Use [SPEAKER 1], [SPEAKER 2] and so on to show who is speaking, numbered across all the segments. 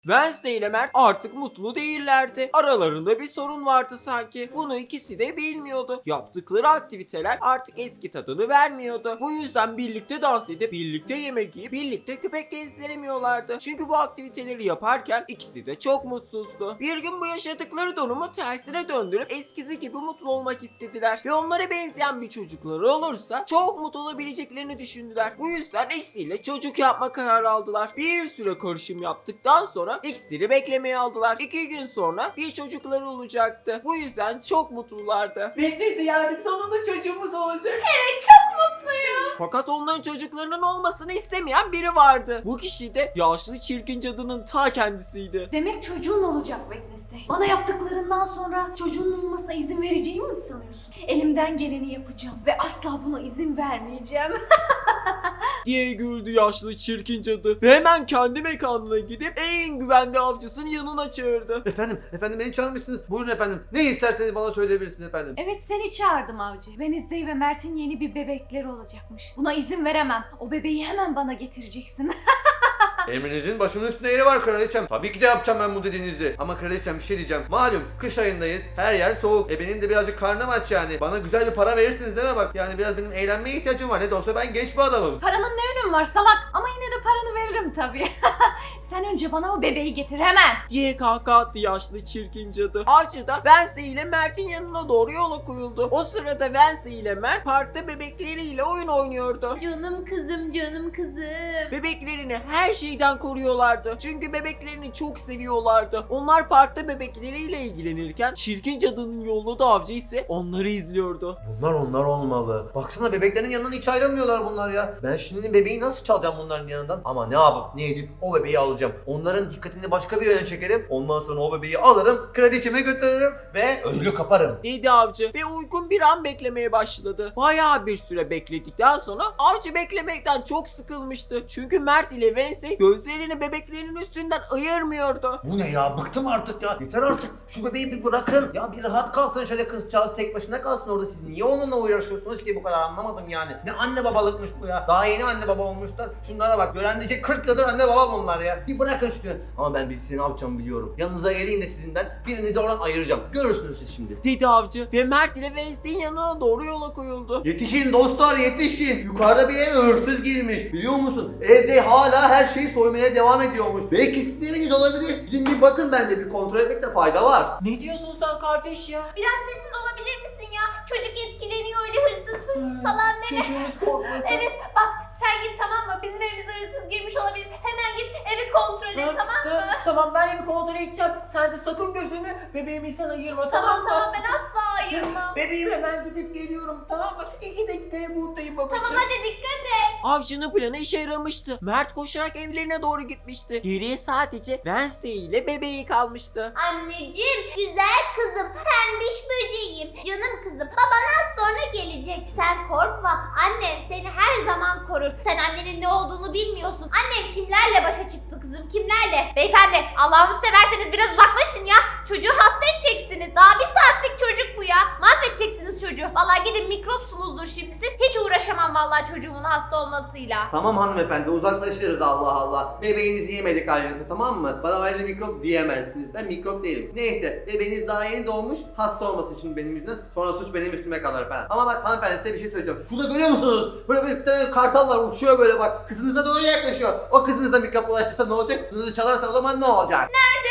[SPEAKER 1] Wednesday ile Mert artık mutlu değillerdi. Aralarında bir sorun vardı sanki. Bunu ikisi de bilmiyordu. Yaptıkları aktiviteler artık eski tadını vermiyordu. Bu yüzden birlikte dans edip, birlikte yemek yiyip, birlikte köpek gezdiremiyorlardı. Çünkü bu aktiviteleri yaparken ikisi de çok mutsuzdu. Bir gün bu yaşadıkları durumu tersine döndürüp eskisi gibi mutlu olmak istediler. Ve onlara benzeyen bir çocukları olursa çok mutlu olabileceklerini düşündüler. Bu yüzden iksirle çocuk yapma kararı aldılar. Bir süre karışım yaptıktan sonra iksiri beklemeye aldılar. 2 gün sonra bir çocukları olacaktı. Bu yüzden çok mutlulardı. Neyse artık sonunda çocuğumuz olacak.
[SPEAKER 2] Evet, çok mutluyum.
[SPEAKER 1] Fakat onların çocuklarının olmasını istemeyen biri vardı. Bu kişi de yaşlı çirkin cadının ta kendisiydi.
[SPEAKER 2] Demek çocuğun olacak Wednesday. Bana yaptıklarından sonra çocuğun olmasına izin vereceğimi mi sanıyorsun? Elimden geleni yapacağım ve asla buna izin vermeyeceğim.
[SPEAKER 1] diye güldü yaşlı çirkin cadı ve hemen kendi mekanına gidip en güvenli avcısının yanına çağırdı.
[SPEAKER 3] Efendim beni çağırmışsınız. Buyurun efendim. Ne isterseniz bana söyleyebilirsiniz efendim.
[SPEAKER 2] Evet, seni çağırdım avcı. Wednesday ve Mert'in yeni bir bebekleri olacakmış. Buna izin veremem. O bebeği hemen bana getireceksin.
[SPEAKER 3] Emrinizin başımın üstünde yeri var kraliçem. Tabii ki de yapacağım ben bu dediğinizi. Ama kraliçem bir şey diyeceğim. Malum kış ayındayız. Her yer soğuk. Benim de birazcık karnım aç yani. Bana güzel bir para verirsiniz değil mi bak? Yani biraz benim eğlenmeye ihtiyacım var. Ne de olsa ben genç bir adamım.
[SPEAKER 2] Paranın ne önemi var salak? Ama yine de paranı veririm tabii. Sen önce bana o bebeği getir hemen.
[SPEAKER 1] diye kahkaha attı yaşlı çirkin cadı. Avcı da Wednesday ile Mert'in yanına doğru yola koyuldu. O sırada Wednesday ile Mert parkta bebekleriyle oyun oynuyordu.
[SPEAKER 2] Canım kızım, canım kızım.
[SPEAKER 1] Bebeklerini her şeyden koruyorlardı. Çünkü bebeklerini çok seviyorlardı. Onlar parkta bebekleriyle ilgilenirken çirkin cadının yolladığı avcı ise onları izliyordu.
[SPEAKER 3] Bunlar olmalı. Baksana bebeklerin yanından hiç ayrılmıyorlar bunlar ya. Ben şimdi bebeği nasıl çalacağım bunların yanından? Ama ne yapıp ne edip o bebeği alacağım. Onların dikkatini başka bir yöne çekerim. Ondan sonra o bebeği alırım, kraliçeme götürürüm ve ödülü kaparım.
[SPEAKER 1] dedi avcı ve uygun bir an beklemeye başladı. Bayağı bir süre bekledikten sonra avcı beklemekten çok sıkılmıştı. Çünkü Mert ile Wednesday gözlerini bebeklerinin üstünden ayırmıyordu.
[SPEAKER 3] Bu ne ya? Bıktım artık ya. Yeter artık. Şu bebeği bir bırakın. Ya bir rahat kalsın şöyle kızcağız tek başına kalsın orada. Siz niye onunla uğraşıyorsunuz ki bu kadar anlamadım yani. Ne anne babalıkmış bu ya. Daha yeni anne baba olmuşlar. Şunlara bak. Gören diyecek 40 yıldır anne baba bunlar ya. Bir bırakın şunu. Ama ben size ne yapacağımı biliyorum. Yanınıza geleyim de sizin ben birinizi oradan ayıracağım. Görürsünüz siz şimdi.
[SPEAKER 1] dedi avcı ve Mert ile Wednesday'in yanına doğru yola koyuldu.
[SPEAKER 3] Yetişin dostlar yetişin. Yukarıda bir eve hırsız girmiş. Biliyor musun? Evde hala her şeyi soymaya devam ediyormuş. Belki sizin eviniz olabilir. Gidin bir bakın bence bir kontrol etmekte fayda var.
[SPEAKER 1] Ne diyorsun sen kardeş ya?
[SPEAKER 2] Biraz sessiz olabilir misin ya? Çocuk etkileniyor öyle hırsız falan deme.
[SPEAKER 1] Çocuğunuz korkmasın.
[SPEAKER 2] Evet bak sen git tamam mı? Bizim evimize hırsız girmiş olabilir. Hemen git evi kontrol et tamam mı?
[SPEAKER 1] Tamam ben evi kontrol edeceğim. Sen de sakın gözünü bebeğimden ayırma tamam mı?
[SPEAKER 2] Tamam ben asla ayırmam.
[SPEAKER 1] Bebeğim hemen gidip geliyorum tamam mı? 2 dakikaya buradayım babacığım.
[SPEAKER 2] Tamam hadi dikkat et.
[SPEAKER 1] Avcının planı işe yaramıştı. Mert koşarak evlerine doğru gitmişti. Geriye sadece Wednesday ile bebeği kalmıştı.
[SPEAKER 4] Anneciğim, güzel kızım, pembiş böceğim, canım kızım. Baban az sonra gelecek. Sen korkma, annen seni her zaman korur. Sen annenin ne olduğunu bilmiyorsun. Annen kimlerle başa çıktı kızım, kimlerle? Beyefendi, Allah'ını severseniz biraz uzaklaşın ya. Çocuğu hasta edeceksiniz. Daha bir saatlik çocuk bu ya. Mahvedeceksiniz çocuğu. Vallahi gidin mikropsunuzdur şimdi siz. Hiç uğraşamam vallahi çocuğumun hasta olmasıyla.
[SPEAKER 3] Tamam hanımefendi uzaklaşırız Allah Allah. Bebeğinizi yemedik ayrıca tamam mı? Bana ayrıca mikrop diyemezsiniz. Ben mikrop değilim. Neyse bebeğiniz daha yeni doğmuş. Hasta olmasın şimdi benim yüzümden. Sonra suç benim üstüme kalır falan. Ama bak hanımefendi size bir şey söyleyeceğim. Şurada görüyor musunuz? Böyle bir tane kartal var uçuyor böyle bak. Kızınıza doğru yaklaşıyor. O kızınıza mikrop ulaştırsa ne olacak? Kızınızı çalarsa o zaman ne olacak?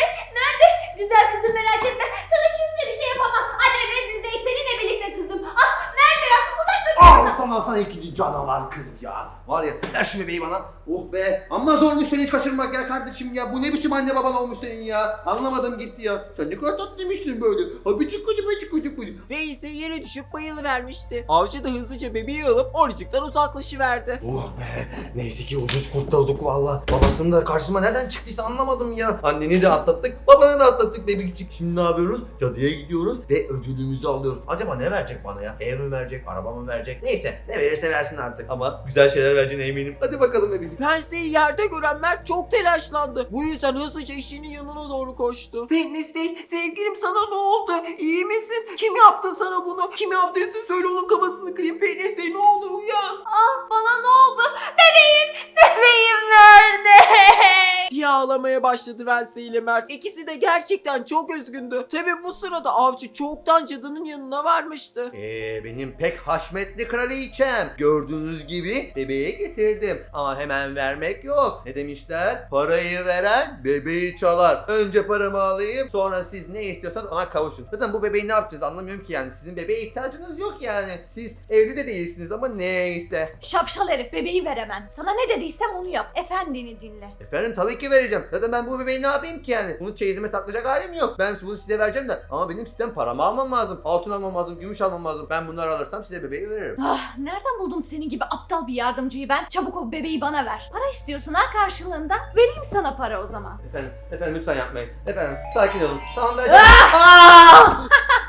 [SPEAKER 4] Güzel kızım merak etme. Sana kimse bir şey yapamaz. Annem Wednesday seninle birlikte kızım. Ah nerede ya? Uzak dur.
[SPEAKER 3] Sana ikinci canavar kız ya. Var ya ver şu bebeği bana. Oh be. Amma zormuş seni hiç kaçırmak ya kardeşim ya. Bu ne biçim anne baban olmuş senin ya. Anlamadım gitti ya. Sen ne kadar tatlıymışsın böyle. Ha bıcık bıcık.
[SPEAKER 1] Ve ise yere düşüp bayılıvermişti. Avcı da hızlıca bebeği alıp oracıktan uzaklaşıverdi.
[SPEAKER 3] Oh be. Neyse ki ucuz kurtulduk valla. Babasının da karşıma nereden çıktıysa anlamadım ya. Anneni de atlattık. alanı da atlattık bebekçik. Şimdi ne yapıyoruz? Cadıya gidiyoruz ve ödülümüzü alıyoruz. Acaba ne verecek bana ya? Ev mi verecek? Araba mı verecek? Neyse ne verirse versin artık. Ama güzel şeyler vereceğine eminim. Hadi bakalım bebekçik.
[SPEAKER 1] Wednesday'i yerde gören Mert çok telaşlandı. Bu yüzden hızlıca eşinin yanına doğru koştu. Wednesday, sevgilim sana ne oldu? İyi misin? Kim yaptı sana bunu? Kim yaptıysa söyle onun kafasını kırayım. Wednesday ne olur uyan.
[SPEAKER 2] Ah, bana ne oldu? Bebeğim nerede?
[SPEAKER 1] Diye ağlamaya başladı Wednesday ile Mert. İkisi de gerçekten çok üzgündü. Tabi bu sırada avcı çoktan cadının yanına varmıştı.
[SPEAKER 3] Benim pek haşmetli kraliçem. Gördüğünüz gibi bebeği getirdim. Ama hemen vermek yok. Ne demişler? Parayı veren bebeği çalar. Önce paramı alayım, sonra siz ne istiyorsanız ona kavuşun. Zaten bu bebeği ne yapacağız anlamıyorum ki yani. Sizin bebeğe ihtiyacınız yok yani. Siz evli de değilsiniz ama neyse.
[SPEAKER 2] Şapşal herif, bebeği ver hemen. Sana ne dediysem onu yap. Efendini dinle.
[SPEAKER 3] Efendim tabii ki vereceğim. Zaten ben bu bebeği ne yapayım ki yani? Bunu çeyizime saklayacak halim yok. Ben bunu size vereceğim de ama benim sistem paramı almam lazım. Altın almam lazım, gümüş almam lazım. Ben bunları alırsam size bebeği veririm.
[SPEAKER 2] Ah, nereden buldum senin gibi aptal bir yardımcıyı ben? Çabuk o bebeği bana ver. Para istiyorsun ha karşılığında. Vereyim sana para o zaman.
[SPEAKER 3] Efendim lütfen yapmayın. Efendim sakin olun. Tamam vereceğim. Aa!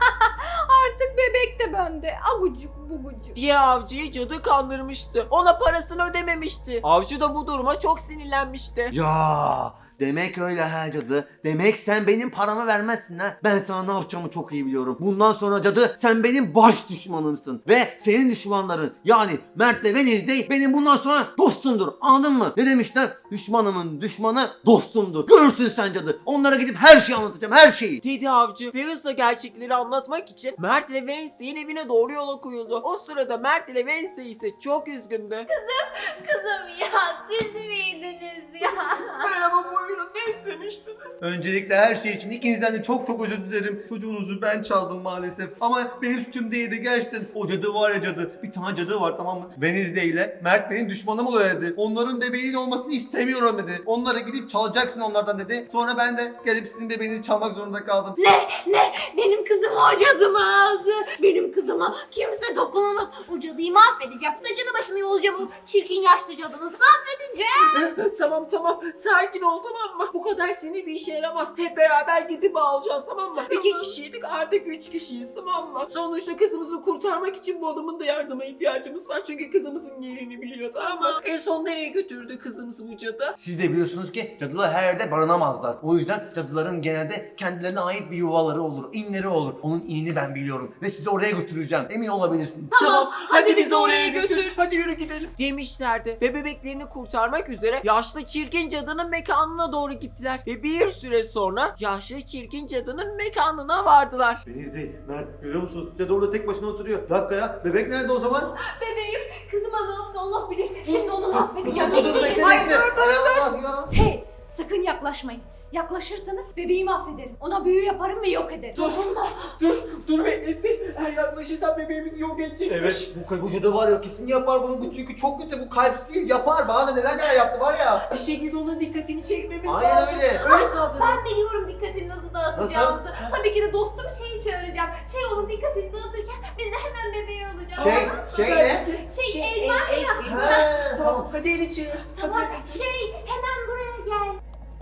[SPEAKER 2] Artık bebek de bende. Agucuk bugucuk.
[SPEAKER 1] Diye avcıyı cadı kandırmıştı. Ona parasını ödememişti. Avcı da bu duruma çok sinirlenmişti.
[SPEAKER 3] Ya demek öyle ha cadı. Demek sen benim paramı vermezsin ha. Ben sana ne yapacağımı çok iyi biliyorum. Bundan sonra cadı sen benim baş düşmanımsın. Ve senin düşmanların yani Mert'le Wednesday benim bundan sonra dostumdur. Anladın mı? Ne demişler? Düşmanımın düşmanı dostumdur. Görürsün sen cadı. Onlara gidip her şeyi anlatacağım, her şeyi.
[SPEAKER 1] Dedi avcı ve hızla gerçekleri anlatmak için Mert ile Wednesday'in evine doğru yola koyuldu. O sırada Mert ile Wednesday ise çok üzgündü.
[SPEAKER 4] Kızım ya siz miydiniz ya?
[SPEAKER 1] Merhaba buyurun ne istemiştiniz?
[SPEAKER 3] Öncelikle her şey için ikinizden de çok çok özür dilerim. Çocuğunuzu ben çaldım maalesef. Ama benim suçum değildi gerçekten. O cadı var ya cadı. Bir tane cadı var tamam mı? Wednesday ile Mert benim düşmanım oluyor dedi. Onların bebeğinin olmasını istemiyorum dedi. Onlara gidip çalacaksın onlardan dedi. Sonra ben de gelip sizin bebeğinizi çalmak zorunda kaldım.
[SPEAKER 2] Ne? Benim kızım o cadımı aldı. Benim kızıma kimse dokunamaz.
[SPEAKER 4] O cadıyı mahvedeceğim. Saçını başını yolacağım o çirkin yaşlı cadının. Mahvedeceğim.
[SPEAKER 1] Tamam sakin ol tamam mı? Bu kadar sinir bir işe yaramaz. Hep beraber gidip alacağız tamam mı? 2 kişiydik artık 3 kişiyiz tamam mı? Sonuçta kızımızı kurtarmak için bu adamın da yardıma ihtiyacımız var. Çünkü kızımızın yerini biliyor tamam mı? En son nereye götürdü kızımızı bu cadı?
[SPEAKER 3] Siz de biliyorsunuz ki cadılar her yerde barınamazlar. O yüzden cadıların genelde kendilerine ait bir yuvaları olur, inleri olur. Onun inini ben biliyorum ve sizi oraya götüreceğim. Emin olabilirsiniz.
[SPEAKER 1] Tamam
[SPEAKER 2] hadi bizi oraya götür.
[SPEAKER 1] Hadi yürü gidelim. Demişlerdi ve bebeklerini kurtarmak üzere yaşlı çirkin cadının mekanına doğru gittiler. Ve bir süre sonra yaşlı çirkin cadının mekanına vardılar.
[SPEAKER 3] Wednesday, Mert görüyor musunuz? Cadı orada tek başına oturuyor. Bir dakika ya, bebek nerede o zaman?
[SPEAKER 2] Bebeğim, kızıma ne yaptı Allah bilir. Şimdi onu mahvedeceğim.
[SPEAKER 3] Dur, bekle.
[SPEAKER 1] Ay, dur.
[SPEAKER 3] Ya.
[SPEAKER 2] Hey, sakın yaklaşmayın. Yaklaşırsanız bebeği mahvederim. Ona büyü yaparım ve yok ederim. Dokunma.
[SPEAKER 1] Dur Wednesday. Eğer yaklaşırsan bebeğimizi yok edecekmiş.
[SPEAKER 3] Evet, bu cadı var ya kesin yapar bunu. Bu çünkü çok kötü, bu kalpsiz yapar. Bana da neler yaptı var ya.
[SPEAKER 1] Bir şekilde onun dikkatini çekmemiz
[SPEAKER 3] Aynen
[SPEAKER 1] lazım.
[SPEAKER 3] öyle.
[SPEAKER 1] Öyle saldırın.
[SPEAKER 4] Ben biliyorum dikkatini nasıl dağıtacağımızı. Tabii ki de dostum şeyi çağıracağım. Onun dikkatini dağıtırken biz de hemen bebeği alacağız.
[SPEAKER 3] Şey ne?
[SPEAKER 4] El var ya.
[SPEAKER 3] He,
[SPEAKER 1] Tamam hadi eli çevir.
[SPEAKER 4] Tamam
[SPEAKER 1] Hadi.
[SPEAKER 4] hemen buraya gel.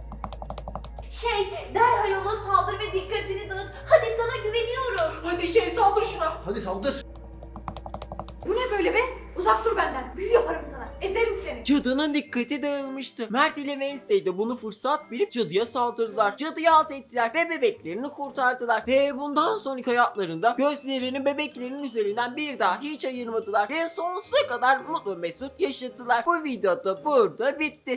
[SPEAKER 4] Derhal ona saldır ve dikkatini dağıt. Hadi sana güveniyorum.
[SPEAKER 1] Hadi saldır şuna.
[SPEAKER 3] Hadi saldır.
[SPEAKER 2] Bu ne böyle be? Uzak dur benden. Büyü yaparım sana. Ezerim seni.
[SPEAKER 1] Cadının dikkati dağılmıştı. Mert ile Wednesday de bunu fırsat bilip cadıya saldırdılar. Cadıyı alt ettiler ve bebeklerini kurtardılar. Ve bundan sonraki hayatlarında gözlerini bebeklerinin üzerinden bir daha hiç ayırmadılar. Ve sonsuza kadar mutlu mesut yaşadılar. Bu video da burada bitti.